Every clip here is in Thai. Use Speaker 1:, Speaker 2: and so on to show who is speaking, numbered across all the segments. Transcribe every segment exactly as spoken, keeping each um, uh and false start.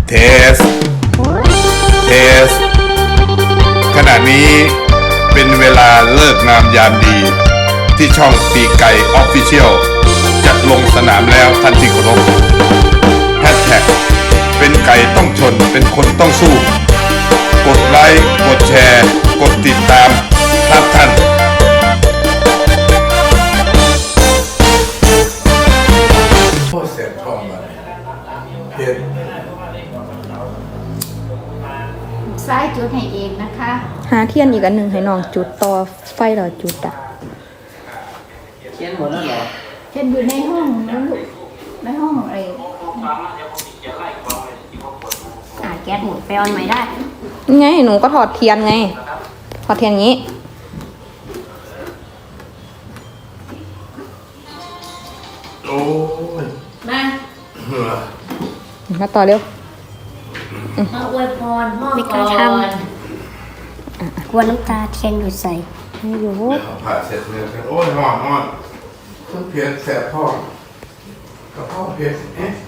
Speaker 1: เทส เทส ขณะนี้เป็นเวลาเลิกงามยามดีที่ช่องปีไก่ออฟฟิเชียลจะลงสนามแล้วทันทีเคารพแฮชแท็กเป็นไก่ต้องชนเป็นคนต้องสู้กดไลค์กดแชร์กดติดตามครับท่านโคตรเสียทองเลยเพียร
Speaker 2: ซ้ายจุดให้เองนะคะ
Speaker 3: หาเทียนอีกอันหนึ่งให้น้องจุดต่อไฟเหรอจุดอ่ะ
Speaker 4: เทียนหมดแล้วเหรอ
Speaker 2: เทียนอยู่ในห้องนะลูกในห้องไอ้
Speaker 5: อ่าแก๊สหมดไปออนใหม่ได้
Speaker 3: ไงหนูก็ถอดเทียนไงถอดเทียนอย่างนี้
Speaker 1: โอ้ย
Speaker 5: มา
Speaker 3: มาต่อเร็ว
Speaker 5: มาอวยพรพ่อก่อนกลัวน้ำตาเทียนหยุดใส่
Speaker 3: ไม่อยู่
Speaker 1: เดี๋ยวผ่าเสร็จเนี่ยโอ้ยหอนหอนต้องเพียรแสบท้องกระเพาะเพียรเอ๊ะ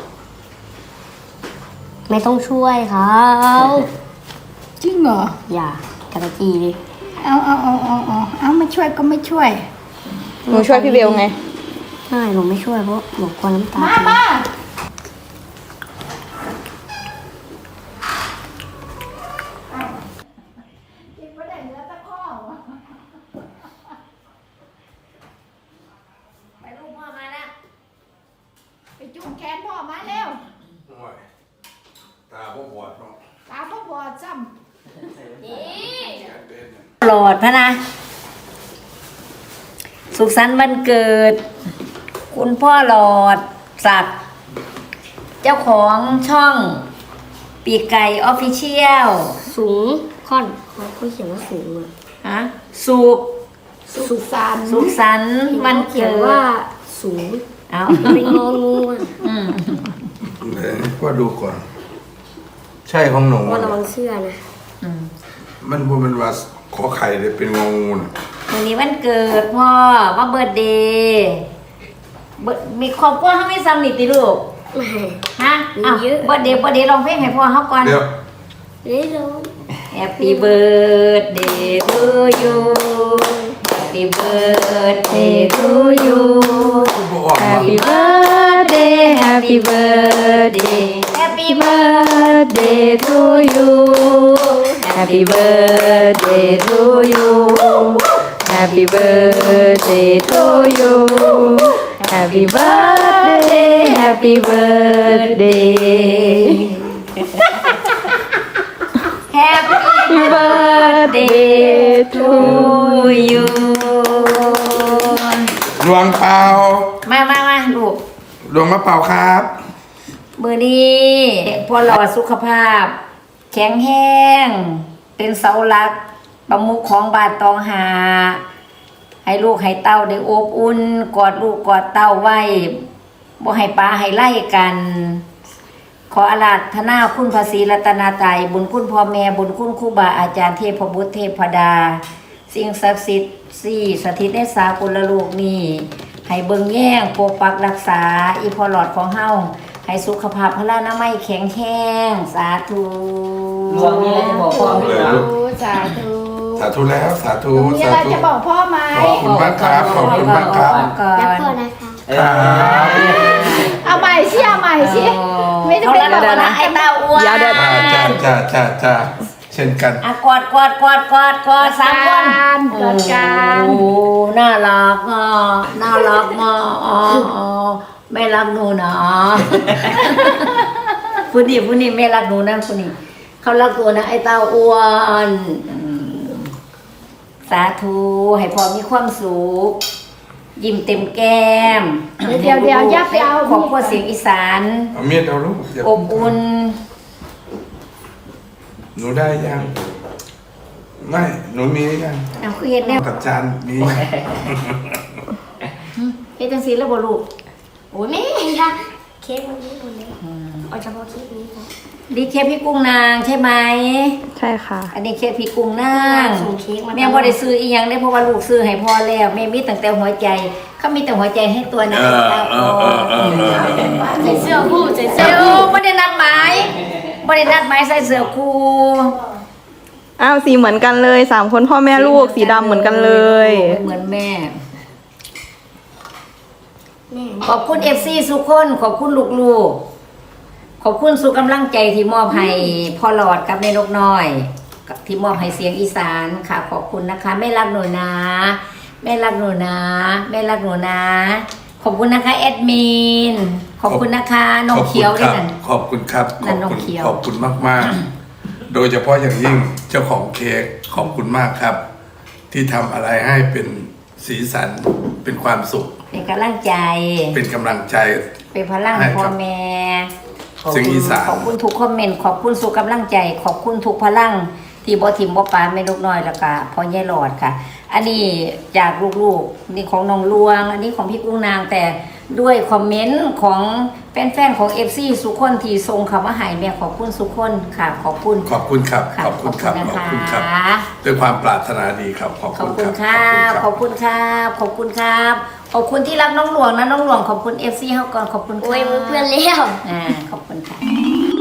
Speaker 5: ไม่ต้องช่วยเขา
Speaker 2: จริงเหรอ
Speaker 5: อย่ากระจีดิ
Speaker 2: เอาเอาเอาเอาเอาเอาไม่ช่วยก็ไม่ช่วย
Speaker 3: หนูช่วยพี่เบลไง
Speaker 5: ใช่หนูไม่ช่วยเพราะหนูกลัวน้ำตา
Speaker 2: มามาไปจุ่มแขนพ่อมาเร็ว
Speaker 1: ตาพ่อบอดเนาะ
Speaker 2: ตาพ่อบอดจำนี่
Speaker 5: หลอดพะนะสุขสันต์วันเกิดคุณพ่อหลอดศักดิ์เจ้าของช่องปีกไก่ออฟฟิเชียลสูงค่อนเขาเขียนว่าสูงอ่ะฮะสุข
Speaker 2: สุขสันต์
Speaker 5: สุขสันต์วันเกิดว่าสูงเอาเป็นงองูอ่ะ
Speaker 1: เดี๋ยวพ่อดูก่อนใช่ของหนู
Speaker 5: ว่าระวังเสื้อนะ
Speaker 1: มันพวกมันว่าขอไข่เลยเป็นงองูน่ะ
Speaker 5: วันนี้วันเกิดพ่อว่าเบิร์ธเดย์มีครอบครัวเขาไม่ซ้ำนิติลูกฮะอ้าวเบิร์ธเดย์เบิร์ธเดย์ลองเพลงให้พ่อเขาก่อน
Speaker 1: เดี๋ยว
Speaker 5: เดี๋ยว Happy birthday to you Happy birthday to you Happy birthday Happy birthday Happy birthday to you Happy birthday to you Happy birthday to you Happy birthday Happy birthday Happy birthday to you
Speaker 1: ดวงเปล่า
Speaker 5: มามามาลูก
Speaker 1: ดวงมะเปล่าครับ
Speaker 5: มือนี้พอหลอดสุขภาพแข็งแห้งเป็นเสาหลักประมุขของบาทตองหาให้ลูกให้เต้าได้อบอุ่นกอดลูกกอดเต้าไว้บ่ให้ปลาให้ไล่กันขออาราธนาคุณพระศรีรัตนตรัยบุญคุณพ่อแม่บุญคุณครูบาอาจารย์เทพบุตรเทพดาสิ่งศักดิ์สิทธิ์สี่สถิตในสากลโลกนี้ให้เบิ่งแย่งปกปักรักษาอีพอหลอดของเฮาให้สุขภาพพลานามัยแข็งแรงสาธุ
Speaker 4: รวมมีอะไรจะบอกพ่อไหมครับ
Speaker 2: สาธุ
Speaker 1: สาธุแล้วสาธุ
Speaker 2: มีอะไรจะบอกพ่อไหม
Speaker 1: ขอบคุณมากครับขอบคุณมากครับ
Speaker 5: รักพ่อนะคะ
Speaker 2: เอาใหม่สิเอาใหม่สิไม่ได้เป็นแบบนั้น
Speaker 5: ไอ้เต้าอ้วน
Speaker 3: ยาวเดิน
Speaker 1: จ้าจ้าจ้าจ้าเช่นกัน
Speaker 5: อ่ะกอดกอดกอดกอดกอดสามคน
Speaker 2: กอดกัน
Speaker 5: โอ้น่ารักอ่ะน่ารักมากอ๋อไม่รักหนูนะผู้นี้ผู้นี้ไม่รักหนูนะผู้นี้เขารักตัวนะไอ้เต้าอ้วนสาธุให้พ่อมีความสุขยิ้มเต็มแก้ม
Speaker 2: เดี๋ยวเดี๋ยวยับไปเอา
Speaker 5: ของพ่อเสียงอีสาน
Speaker 1: เอาเมียเอาลูก
Speaker 5: อบอุ่น
Speaker 1: หนูได้ยังไม่หนูมียัง
Speaker 5: เอาคือเห็นแล้ว
Speaker 1: กับจานมี
Speaker 5: เฮ็ดจังซี่แล้วบ่ลูก
Speaker 2: โอ้ยแม่ค่ะเค้กวันนี้หมดเลยเอาเฉพาะเค้กนี้ค่ะ
Speaker 5: ดีเค้กพี่กุ้งนางใช่ไหม
Speaker 3: ใช่ค่ะ
Speaker 5: อันนี้เค้กพี่กุ้งนางแม่บ่ได้ซื้ออีหยังได้เพราะว่าลูกซื้อให้พ่อแล้วแม่มีตั้งแต่หัวใจเขามีแต่หัวใจให้ตัวนะใส่เสื้อผู้ใส่เสื้อผู้ไม่ได้นัดหมายได้นัดหมายใส่เสื้อคู่
Speaker 3: อ้าวสีเหมือนกันเลยสามคนพ่อแม่ลูกสีดำเหมือนกันเลย
Speaker 5: เหมือนแม่ ขอบคุณเอฟซีสุกคนขอบคุณลูกๆขอบคุณสุกำลังใจที่มอบให้พ่อหลอดกับแม่นกน้อยที่มอบให้เสียงอีสานค่ะ ขอบคุณนะคะแม่รักหนูนะแม่รักหนูนะแม่รักหนูนะ ขอบคุณนะคะแอดมินขอบคุณนะคะน้องเขียวด้วยกัน
Speaker 1: ขอบคุณครับข
Speaker 5: นั่
Speaker 1: อบ
Speaker 5: นน้อง
Speaker 1: คุณ
Speaker 5: เขียว
Speaker 1: ขอบคุณมากมากๆ โดยเฉพาะอย่างยิ่งเจ้าของเค้กขอบคุณมากครับ ที่ทำอะไรให้เป็นสีสันเป็นความสุข
Speaker 5: เป็นกำลังใจ
Speaker 1: เป็นกำลังใจ
Speaker 5: เป็นพลัง
Speaker 1: ให้ครับ
Speaker 5: พ่อแม่
Speaker 1: เสียงอีสาน
Speaker 5: ขอบคุณทุกคอมเมนต์ขอบคุณสุขกำลังใจ ขอบคุณทุกพลังที่บ่ทิมบ่ปาไม่ลูกน้อยแล้วก็พ่อใหญ่หลอดค่ะ อันนี้จากลูกๆนี่ของน้องลวง อันนี้ของพี่กุ้งนางแต่ด้วยคอมเมนต์ของแฟนๆของ เอฟ ซี สุกคนที่ส่งคำว่าใหายแม่ขอบคุณสุกคนค่ะ ขอบคุณ
Speaker 1: ขอบคุณครับ
Speaker 5: ค่ะ
Speaker 1: ขอบคุณครับ
Speaker 5: ขอบ
Speaker 1: ขอบ
Speaker 5: คุ
Speaker 1: คุณ ณ
Speaker 5: นะ
Speaker 1: ครั
Speaker 5: คะ
Speaker 1: บด้วยความปรารถนาดีครับ ขอบ
Speaker 5: ขอบ
Speaker 1: คุณ
Speaker 5: คุณ
Speaker 1: ค
Speaker 5: ค
Speaker 1: รั
Speaker 5: รับ
Speaker 1: บ
Speaker 5: ขอบคุณครับ ขอบคุณครับ ขอบคุณที่รักน้องหลวงนะน้องหลวงขอบคุณ เอฟ ซี เฮาก่อนขอบคุณค่ะ
Speaker 2: โอ้ยมือเพื่อนเลี้ยว
Speaker 5: อ่าขอบคุณค่ะ